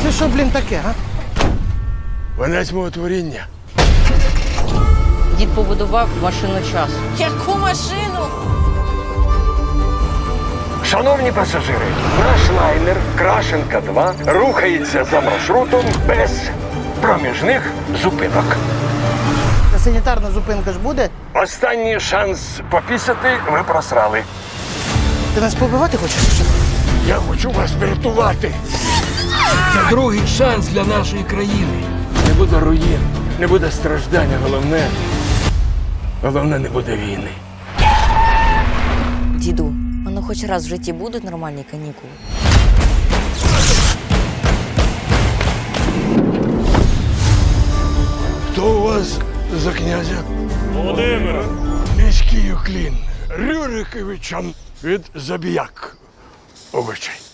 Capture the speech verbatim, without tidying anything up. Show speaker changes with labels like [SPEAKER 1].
[SPEAKER 1] Це що, блін, таке, а?
[SPEAKER 2] Венець мого творіння.
[SPEAKER 3] Дід побудував машину часу.
[SPEAKER 4] Яку машину?
[SPEAKER 2] Шановні пасажири, наш лайнер Крашенка два рухається за маршрутом без проміжних зупинок.
[SPEAKER 1] Та санітарна зупинка ж буде?
[SPEAKER 2] Останній шанс попісяти ви просрали.
[SPEAKER 1] Ти нас побивати хочеш? чи що?
[SPEAKER 2] Я хочу вас врятувати.
[SPEAKER 5] Це другий шанс для нашої країни.
[SPEAKER 2] Не буде руїн, не буде страждання, головне. Головне, не буде війни.
[SPEAKER 3] Діду, воно хоч раз в житті будуть нормальні канікули?
[SPEAKER 2] Хто у вас за князя? Володимир. Міський уклін Рюриковичам від Забіяк. Обичай.